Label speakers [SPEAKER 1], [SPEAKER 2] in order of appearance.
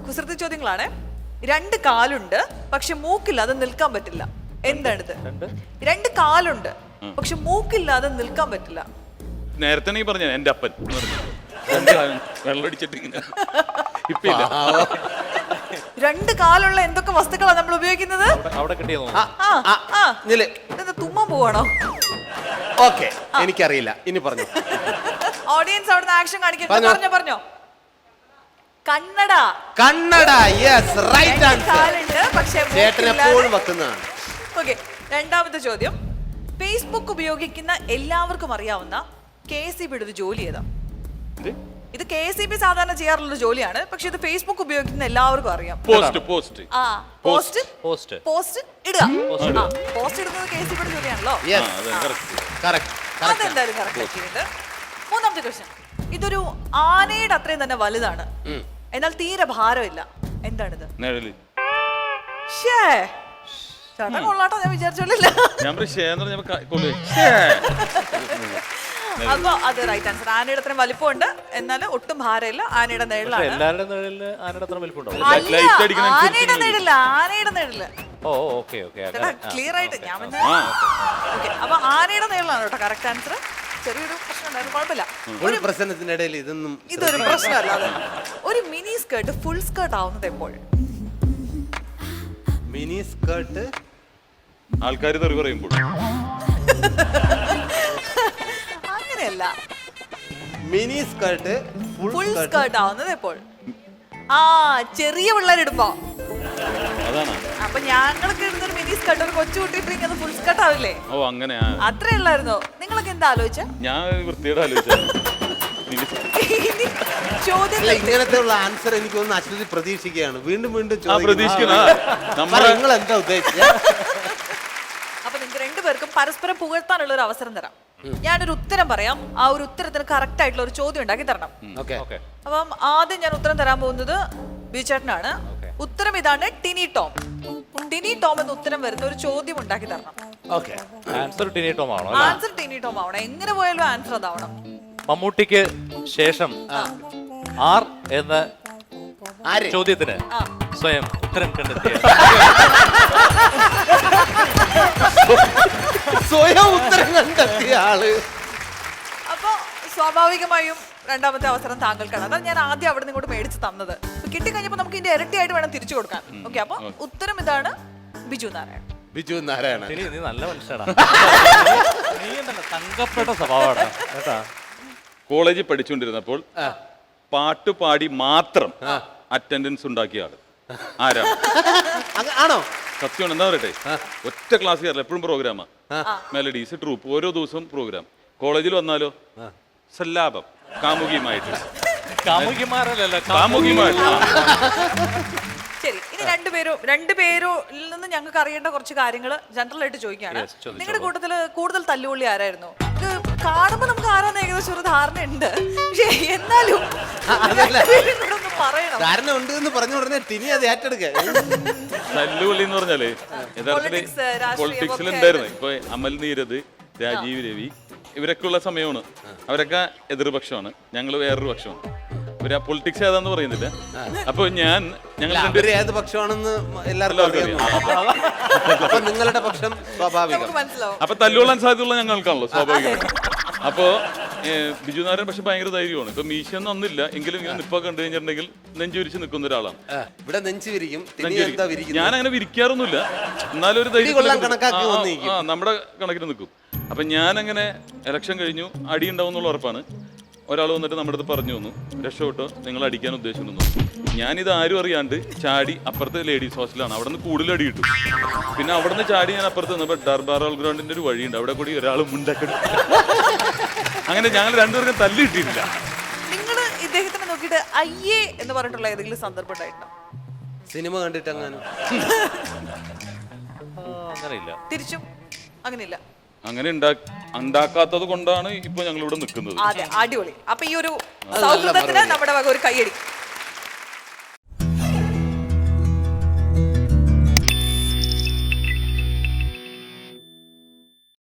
[SPEAKER 1] കുസൃതി ചോദ്യങ്ങളാണ്. 2 കാലുണ്ട് പക്ഷെ മൂക്കില്ലാതെ നിൽക്കാൻ പറ്റില്ല. എന്താണിത്? 2 കാലുണ്ട് പക്ഷെ മൂക്കില്ലാതെ നിൽക്കാൻ പറ്റില്ല.
[SPEAKER 2] നേരത്തെ നീ പറഞ്ഞ എന്റെ അപ്പൻ വെള്ളടിച്ചിട്ട് ഇപ്പൊ
[SPEAKER 1] 2 കാലുള്ള എന്തൊക്കെ വസ്തുക്കളാണ് നമ്മൾ ഉപയോഗിക്കുന്നത്? തുമ്മാൻ പോവാണോ?
[SPEAKER 3] ഓക്കെ, എനിക്കറിയില്ല, ഇനി പറഞ്ഞു.
[SPEAKER 1] ഓഡിയൻസ് അവിടുന്ന് ആക്ഷൻ കാണിക്കും. പറഞ്ഞോ. കണ്ണട.
[SPEAKER 3] കണ്ണട, യെസ്, റൈറ്റ് ആൻസർ. ചേട്ടൻ എപ്പോഴും വെക്കുന്നതാണ്.
[SPEAKER 1] ഓക്കെ, രണ്ടാമത്തെ ചോദ്യം. ഫേസ്ബുക്ക് ഉപയോഗിക്കുന്ന എല്ലാവർക്കും അറിയാവുന്ന KSEB ഒരു ജോലി ഏതാ? ഇത് KSEB സാധാരണ ചെയ്യാറുള്ള ജോലിയാണ്, പക്ഷെ ഇത് ഫേസ്ബുക്ക് ഉപയോഗിക്കുന്ന എല്ലാവർക്കും അറിയാം.
[SPEAKER 2] പോസ്റ്റ്
[SPEAKER 1] ഇടുക. പോസ്റ്റ് ഇടുന്നത് KSEB ജോലിയാണല്ലോ. അതെന്തായാലും കറക്റ്റ്. മൂന്നാമത്തെ ക്വസ്റ്റ്യൻ. ഇതൊരു ആനയുടെ അത്രയും തന്നെ വലുതാണ്, എന്നാൽ തീരെ ഭാരമില്ല. എന്താണിത്? ചേട്ടൻ കൊള്ളാട്ടോ, ഞാൻ വിചാരിച്ചോളില്ല. അപ്പൊ അത് റൈറ്റ് ആൻസർ. ആനയുടെ അത്രയും വലിപ്പമുണ്ട്, എന്നാൽ ഒട്ടും ഭാരമില്ല. ആനയുടെ നിഴലാണ്. ആനയുടെ നിഴല്. ക്ലിയർ ആയിട്ട് ഞാൻ അപ്പൊ ആനയുടെ നിഴലാണ് കേട്ടോ കറക്റ്റ് ആൻസർ. ചെറിയൊരു പ്രശ്നം ഉണ്ടായിരുന്നു, കുഴപ്പമില്ല.
[SPEAKER 3] ഒരു പ്രശ്നത്തിനിടയിൽ
[SPEAKER 1] ഇതൊരു പ്രശ്നമല്ല. ഒരു മിനി സ്കേർട്ട് ഫുൾ സ്കേർട്ട് ആവുന്നത് എപ്പോൾ?
[SPEAKER 3] മിനി സ്കേർട്ട്
[SPEAKER 2] ആൾക്കാർ തെറി പറയുമ്പോൾ.
[SPEAKER 1] അങ്ങനെയല്ല,
[SPEAKER 3] മിനി സ്കേർട്ട്
[SPEAKER 1] ഫുൾ സ്കേർട്ട് ആവുന്നത് എപ്പോൾ? ചെറിയ പിള്ളേരിടുമ്പോ. അപ്പൊ ഞങ്ങൾക്ക് ഇടുന്നൊരു മിനി സ്കേർട്ട് ഒരു കൊച്ചു കുട്ടിയിട്ടെങ്കിൽ അത് ഫുൾ സ്കേർട്ട് ആവില്ലേ?
[SPEAKER 2] ഓ അങ്ങനെ.
[SPEAKER 1] അത്രേ ഉള്ളായിരുന്നോ? നിങ്ങളൊക്കെ എന്താ ആലോചിച്ച?
[SPEAKER 2] ഞാൻ വൃത്തിയോടെ
[SPEAKER 3] ഇങ്ങനത്തെ ഉള്ള ആൻസർ എനിക്ക് ഒന്ന് അശ്വതി പ്രതീക്ഷിക്കുകയാണ്. വീണ്ടും
[SPEAKER 2] നിങ്ങൾ എന്താ
[SPEAKER 3] ഉദ്ദേശിച്ചത്?
[SPEAKER 1] അപ്പൊ നിങ്ങൾക്ക് രണ്ടുപേർക്കും പരസ്പരം പുകഴ്ത്താനുള്ള ഒരു അവസരം തരാം. ഞാനൊരു ഉത്തരം പറയാം, ആ ഒരു ഉത്തരത്തിന് കറക്റ്റ് ആയിട്ടുള്ള ഒരു ചോദ്യം ഉണ്ടാക്കി തരണം. അപ്പം ആദ്യം ഞാൻ ഉത്തരം തരാൻ പോകുന്നത് ബിചേട്ടനാണ്. ഉത്തരം ഇതാണ്, ടിനി ടോം. ടിനി ടോം എന്ന് ഉത്തരം വരുന്ന ഒരു ചോദ്യം ഉണ്ടാക്കി തരണം.
[SPEAKER 4] ആൻസർ ടിനി ടോം ആവണം.
[SPEAKER 1] ആൻസർ ടിനി ടോം ആവണം. എങ്ങനെ പോയാലും ആൻസർ അതാവണം.
[SPEAKER 4] മമ്മൂട്ടിക്ക് ശേഷം ആർ എന്ന ചോദ്യത്തിന് സ്വയം ഉത്തരം കണ്ടെത്തിയ
[SPEAKER 3] ആള്.
[SPEAKER 1] അപ്പൊ സ്വാഭാവികമായും രണ്ടാമത്തെ അവസരം താങ്കൾക്കാണ്. അതാണ് ഞാൻ ആദ്യം അവിടെ നിങ്ങോട്ട് മേടിച്ച് തന്നത്. കിട്ടിക്കഴിഞ്ഞപ്പോ നമുക്ക് ഇതിന്റെ ഇരട്ടിയായിട്ട് വേണം തിരിച്ചു കൊടുക്കാൻ. ഓക്കെ, അപ്പൊ ഉത്തരം ഇതാണ്, ബിജു നാരായണൻ.
[SPEAKER 3] ബിജു നാരായണൻ,
[SPEAKER 4] നീ നല്ല മനുഷ്യനാണ്. നീ തങ്കപ്പെട്ട സ്വഭാവമാണ് കേട്ടാ.
[SPEAKER 2] കോളേജിൽ പഠിച്ചുകൊണ്ടിരുന്നപ്പോൾ പാട്ട് പാടി മാത്രം അറ്റൻഡൻസ് ഉണ്ടാക്കിയ ആള് ആരാണ്?
[SPEAKER 3] ആണോ?
[SPEAKER 2] സത്യമാണ്. എന്താ പറയട്ടെ, ഒറ്റ ക്ലാസ് കയറില്ല, എപ്പോഴും പ്രോഗ്രാമാ. മെലഡീസ്, ട്രൂപ്പ്, ഓരോ ദിവസവും പ്രോഗ്രാം. കോളേജിൽ വന്നാലോ സല്ലാപം, കാമുകിയുമായിട്ട്.
[SPEAKER 1] ശരി, ഇനി രണ്ടുപേരിൽ നിന്ന് ഞങ്ങൾക്ക് അറിയേണ്ട കുറച്ച് കാര്യങ്ങൾ ജനറൽ ആയിട്ട് ചോദിക്കുകയാണ്. നിങ്ങളുടെ കൂട്ടത്തില് കൂടുതൽ തല്ലുകൊള്ളി ആരായിരുന്നു? ഇത് കാണുമ്പോ നമുക്ക് ആരാന്ന് ഏകദേശം ഒരു ധാരണ ഉണ്ട്, പക്ഷെ എന്നാലും പറയണം.
[SPEAKER 3] ധാരണ ഉണ്ട് എന്ന് പറഞ്ഞ ഉടനെ ടിനി അത് ഏറ്റെടുക്കുക.
[SPEAKER 2] തല്ലുകൊള്ളി എന്ന് പറഞ്ഞാല് യഥാർത്ഥത്തിൽ പൊളിറ്റിക്സിൽ ഉണ്ടായിരുന്നു. ഇപ്പൊ അമൽ നീരദ്, രാജീവ് രവി ഇവരൊക്കെ ഉള്ള സമയമാണ്. അവരൊക്കെ എതിർപക്ഷമാണ്, ഞങ്ങൾ വേറൊരു പക്ഷമാണ്. ഇവര് പൊളിറ്റിക്സ് ഏതാന്ന് പറയുന്നില്ല. അപ്പൊ ഞങ്ങൾ
[SPEAKER 3] ഏത് പക്ഷമാണെന്ന് എല്ലാവർക്കും അറിയാം. അപ്പൊ നിങ്ങളുടെ പക്ഷം സ്വാഭാവികം.
[SPEAKER 2] അപ്പൊ തല്ലുകൊള്ളാൻ സാധ്യതയുള്ള ഞങ്ങൾക്കാണല്ലോ സ്വാഭാവികമായിട്ട്. അപ്പോ ബിജു നാരായണൻ പക്ഷെ ഭയങ്കര ധൈര്യമാണ്. ഇപ്പൊ മീശയൊന്നും ഒന്നില്ല എങ്കിലും ഇങ്ങനെ നിപ്പ കണ്ടു കഴിഞ്ഞിട്ടുണ്ടെങ്കിൽ നെഞ്ചുരിച്ച് നിൽക്കുന്ന ഒരാളാണ്.
[SPEAKER 3] ഇവിടെ നെഞ്ച് വിരിക്കും.
[SPEAKER 2] ഞാൻ അങ്ങനെ വിരിക്കാറൊന്നുമില്ല, എന്നാലും ഒരു ധൈര്യം നമ്മുടെ കണക്കിന് നിൽക്കും. അപ്പൊ ഞാനങ്ങനെ ഇലക്ഷൻ കഴിഞ്ഞു, അടി ഉണ്ടാവും എന്നുള്ള ഉറപ്പാണ്. ഒരാൾ വന്നിട്ട് നമ്മുടെ അടുത്ത് പറഞ്ഞു തന്നു, രക്ഷപ്പെട്ടോ, നിങ്ങൾ അടിക്കാൻ ഉദ്ദേശിക്കുന്നു. ഞാനിത് ആരും അറിയാണ്ട് ചാടി അപ്പുറത്തെ ലേഡീസ് ഹോസ്റ്റലാണ്, അവിടെ നിന്ന് കൂടുതൽ അടി കിട്ടും. പിന്നെ അവിടെ നിന്ന് ചാടി ഞാൻ അപ്പുറത്ത് നിന്നപ്പോൾ ഡർബാറോൾ ഗ്രൗണ്ടിന്റെ ഒരു വഴിയുണ്ട്, അവിടെ കൂടി ഒരാളും ഉണ്ടാക്കി. അങ്ങനെ ഞങ്ങൾ രണ്ടുപേർക്കും തല്ലി കിട്ടിയിട്ടില്ല.
[SPEAKER 1] നിങ്ങൾ ഇദ്ദേഹത്തിനെ നോക്കിയിട്ട് അയ്യേ എന്ന് പറഞ്ഞിട്ടുള്ള ഏതെങ്കിലും സന്ദർഭം ഉണ്ടായിട്ടുണ്ടോ?
[SPEAKER 3] സിനിമ കണ്ടിട്ട് അങ്ങനെയില്ല.
[SPEAKER 1] തിരിച്ചും അങ്ങനെയില്ല.
[SPEAKER 2] അങ്ങനെ ഉണ്ടാക്കാത്തത് കൊണ്ടാണ് ഇപ്പൊ ഞങ്ങൾ ഇവിടെ നിൽക്കുന്നത്.
[SPEAKER 1] അതെ, അടിപൊളി. അപ്പൊ ഈ ഒരു സൗഹൃദത്തിന് നമ്മുടെ വക ഒരു കയ്യടി.